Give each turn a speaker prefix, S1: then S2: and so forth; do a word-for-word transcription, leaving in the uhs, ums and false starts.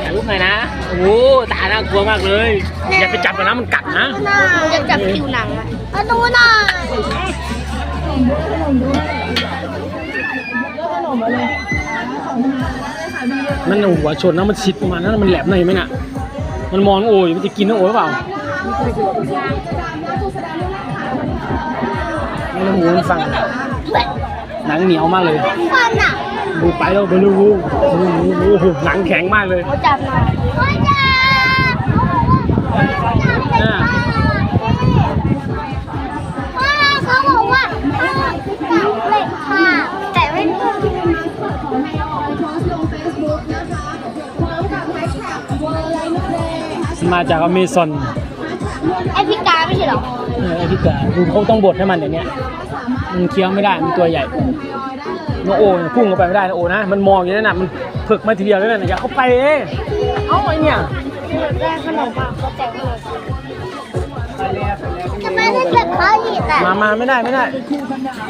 S1: ถ่ายรูปหน่อยนะโอ้ตาน่ากลัวมากเลยอย่าไปจับมันนะมันกัดนะ
S2: อยากจับผิวหนังอ่ะเอาดูหน่อย
S1: มันหัวชนนะมันชิดประมาณนั้นมันแหลมหน่อยไหมน่ะมันมองโอ้ยมันจะกินน้องโอ้ยหรือเปล่าน้องโอ้ยมันฟังหนังเหนียวมากเลย
S2: ฟันอ่ะ
S1: ดูไปแล้วไปดูโอ้โหหนังแข็งมากเลย
S2: จับหน่อยจับเขาบอกว่าเหล็กค่ะแต่ไม่
S1: มาจากอเมซอน
S2: แอฟริกาไม่ใช่หรอ
S1: เออแอฟริกาดูเขาต้องบดให้มันอย่างเนี้ยมันเคี้ยวไม่ได้มันตัวใหญ่โนโอ้พุ่งเข้าไปไม่ได้นะโอ้นะมันมองอย่างนั้นน่ะมันผึกมาทีเดียวแล้วนะอย่าเข้าไปเอ้เอ้าไอเนี่ย
S2: ได้ขนมมาเขาแจกขนมทำไมได้เก็บข้าวอีกอ่ะ
S1: มามาไม่ได้ไม่ได้